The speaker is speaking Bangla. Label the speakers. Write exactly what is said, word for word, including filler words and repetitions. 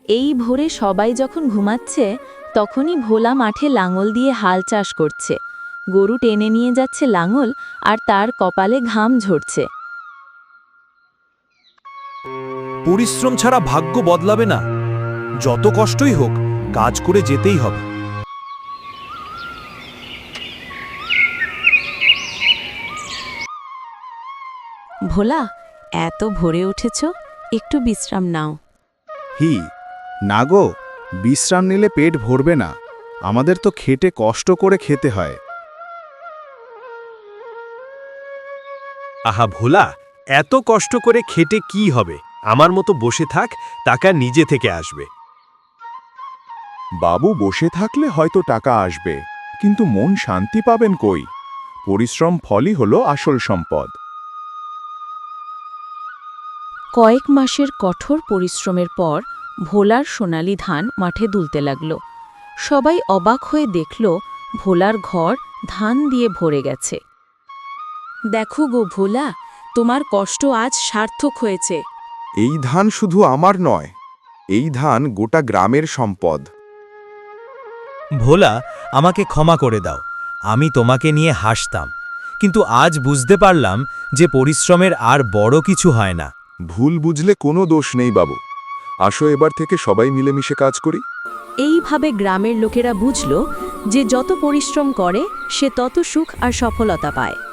Speaker 1: এই ভোরে সবাই যখন ঘুমাচ্ছে তখনই ভোলা মাঠে লাঙল দিয়ে হাল চাষ করছে। গরু টেনে নিয়ে যাচ্ছে লাঙল, আর তার কপালে ঘাম ঝরছে।
Speaker 2: পরিশ্রম ছাড়া ভাগ্য বদলাবে না। যত কষ্টই হোক, কাজ করে যেতেই হবে।
Speaker 1: ভোলা, এত ভোরে উঠেছ, একটু বিশ্রাম নাও।
Speaker 3: হি না গো, বিশ্রাম নিলে পেট ভরবে না। আমাদের তো খেটে কষ্ট করে খেতে হয়।
Speaker 2: আহা ভোলা, এত কষ্ট করে খেটে কি হবে? আমার মতো বসে থাক, টাকা নিজে থেকে আসবে।
Speaker 4: বাবু, বসে থাকলে হয়তো টাকা আসবে, কিন্তু মন শান্তি পাবেন কই? পরিশ্রম ফলই হলো আসল সম্পদ।
Speaker 1: কয়েক মাসের কঠোর পরিশ্রমের পর ভোলার সোনালি ধান মাঠে দুলতে লাগল। সবাই অবাক হয়ে দেখল ভোলার ঘর ধান দিয়ে ভরে গেছে। দেখো গো ভোলা, তোমার কষ্ট আজ সার্থক হয়েছে।
Speaker 4: এই ধান শুধু আমার নয়, এই ধান গোটা গ্রামের সম্পদ।
Speaker 2: ভোলা, আমাকে ক্ষমা করে দাও। আমি তোমাকে নিয়ে হাসতাম, কিন্তু আজ বুঝতে পারলাম যে পরিশ্রমের আর বড় কিছু হয় না।
Speaker 4: ভুল বুঝলে কোনো দোষ নেই বাবু। আসো, এবার থেকে সবাই মিলেমিশে কাজ করি।
Speaker 1: এইভাবে গ্রামের লোকেরা বুঝল যে যত পরিশ্রম করে সে তত সুখ আর সফলতা পায়।